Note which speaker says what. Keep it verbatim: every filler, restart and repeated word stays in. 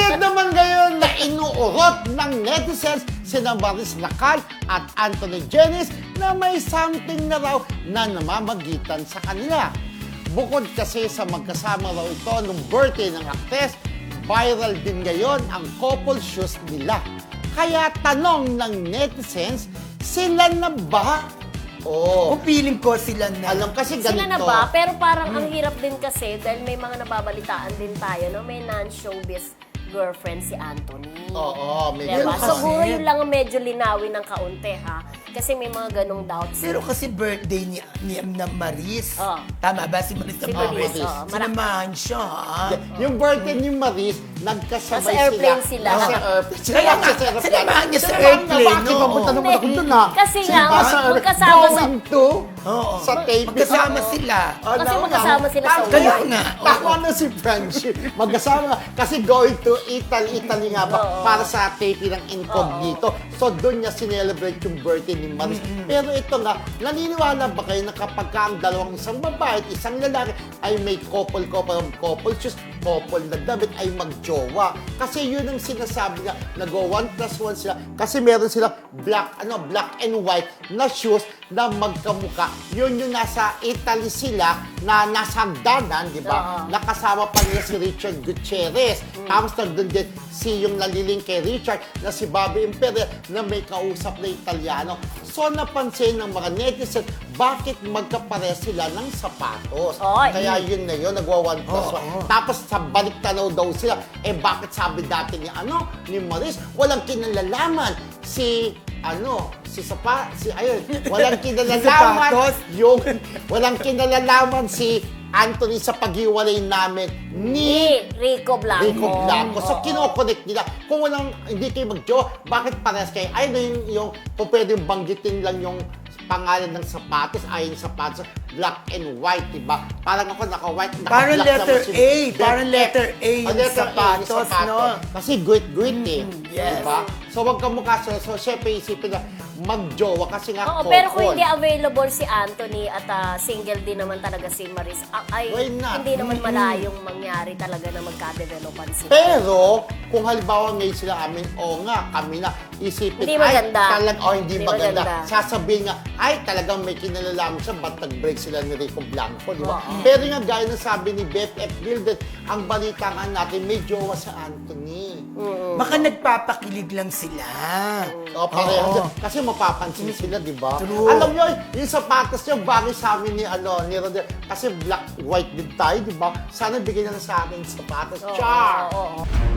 Speaker 1: Pilit naman ngayon na inuurot ng netizens sina Maris Lacan at Anthony Jenice na may something na raw na namamagitan sa kanila. Bukod kasi sa magkasama raw ito nung birthday ng aktres, viral din ngayon ang couple shoes nila. Kaya tanong ng netizens, sila na ba? Oh.
Speaker 2: Kung feeling ko sila na.
Speaker 1: Alam kasi ganito.
Speaker 3: Sila na ba? Pero parang ang hirap din kasi dahil may mga nababalitaan din tayo, no? May non-showbiz girlfriend si Anthony.
Speaker 1: Oo, may
Speaker 3: diba?
Speaker 1: ganun
Speaker 3: So,
Speaker 1: kasi.
Speaker 3: siguro yun lang ang medyo linawin ng kaunti, ha? Kasi may mga ganong doubts.
Speaker 2: Pero kasi birthday ni, ni na Maris.
Speaker 3: Oh.
Speaker 2: Tama ba? Si Maris na
Speaker 3: Si
Speaker 2: Maris.
Speaker 3: Maris, oh.
Speaker 2: Sinamahan siya, ha?
Speaker 1: Yung birthday ni Maris, nagkasabay
Speaker 3: Nasa airplane
Speaker 1: sila.
Speaker 3: sila.
Speaker 1: Nasa airplane sila.
Speaker 2: Kaya nga,
Speaker 1: Nasa airplane.
Speaker 2: sinamahan niya sa
Speaker 1: Sinamahan
Speaker 2: airplane,
Speaker 1: Bakit
Speaker 2: no?
Speaker 1: papunta naman ako dun, ha?
Speaker 3: Kasi nga,
Speaker 1: Sinamahan sa airplane.
Speaker 3: magkasama sa-
Speaker 1: Going to?
Speaker 2: Oo.
Speaker 1: Sa tape.
Speaker 2: Magkasama sila.
Speaker 1: Ah,
Speaker 3: Kasi
Speaker 1: no,
Speaker 3: magkasama
Speaker 1: no.
Speaker 3: sila sa
Speaker 1: Tama-
Speaker 2: Kaya nga,
Speaker 1: Tama na si friendship. Magkasama. Kasi going to Italy, Italy nga ba,
Speaker 3: Oo.
Speaker 1: para sa taping ng Incognito. So, doon niya sinelebrate yung birthday ni Maris. Pero ito nga, naniniwala ba kayo na kapag ka ang dalawang isang babae at isang lalaki ay may couple-couple couple shoes, couple na damit ay magjowa. Kasi yun ang sinasabi nga, nag-o one plus one sila. Kasi meron sila black, ano, black and white na shoes na magkamuka. Yun yung nasa Italy sila, na nasa hagdanan, di ba?
Speaker 3: Oo.
Speaker 1: Nakasama pa niya si Richard Gutierrez. Tapos nandun din si yung naliling kay Richard na si Bobby Imperial na may kausap na Italiano. So napansin ng mga netizen, bakit magkapare sila ng sapatos?
Speaker 3: Oy.
Speaker 1: Kaya yun na yun, nagwa one plus one.
Speaker 2: Oo.
Speaker 1: Tapos sa balik tanaw daw sila, eh bakit sabi dati ni ano, ni Maris, walang kinalalaman si ano, si Sapa, si ayun, walang kinalalaman
Speaker 2: Sapatos?
Speaker 1: yung, walang kinalalaman si Anthony sa paghiwalay namin ni
Speaker 3: Ni Rico Blanco.
Speaker 1: Rico Blanco. So,
Speaker 3: Oo.
Speaker 1: kinoconnect nila. Kung walang, hindi kayo mag-jowa, bakit parehas kayo? Ay, na yung, yung, kung pwedeng banggitin lang yung pangalan ng sapatos, ay yung sapatos, black and white, diba? Parang ako naka-white, naka-black
Speaker 2: Parang letter
Speaker 1: naman si-
Speaker 2: A,
Speaker 1: Then,
Speaker 2: parang letter A yung
Speaker 1: Ah, letter A
Speaker 2: sapatos, no?
Speaker 1: Kasi guit-guit eh.
Speaker 2: yes.
Speaker 1: Diba? So, wag ka mukha. So, so syempre, isipin na mag-jowa kasi nga
Speaker 3: Oo,
Speaker 1: couple.
Speaker 3: pero kung hindi available si Anthony at ah, single din naman talaga si Maris, ah, ay
Speaker 1: Why not?
Speaker 3: hindi naman malayong mangyari talaga na magka-developan sila.
Speaker 1: Pero, kung halimbawa ngayon sila amin, o nga, kami na, isipin,
Speaker 3: Hindi maganda.
Speaker 1: ay, talag, oh, hindi,
Speaker 3: Hindi
Speaker 1: maganda.
Speaker 3: maganda.
Speaker 1: Sasabihin nga, ay, talagang may kinalalaman siya, ba't nag-break sila ni Rico Blanco, di ba?
Speaker 3: Oo.
Speaker 1: Pero nga, gaya ng sabi ni B F F Gilden, ang balita nga natin, may jowa sa Anthony.
Speaker 2: Baka nagpapakilig lang sila.
Speaker 1: O, pareho.
Speaker 2: Oo.
Speaker 1: Kasi mapapansin sila, di ba?
Speaker 2: True.
Speaker 1: Alam nyo, yung sapatos niya, bagay sa amin ni, ano, ni Rodel. Kasi black, white din tayo, di ba? Sana bigyan niya na sa akin yung sapatos.
Speaker 3: Oo,
Speaker 1: Char!
Speaker 3: oo, oo.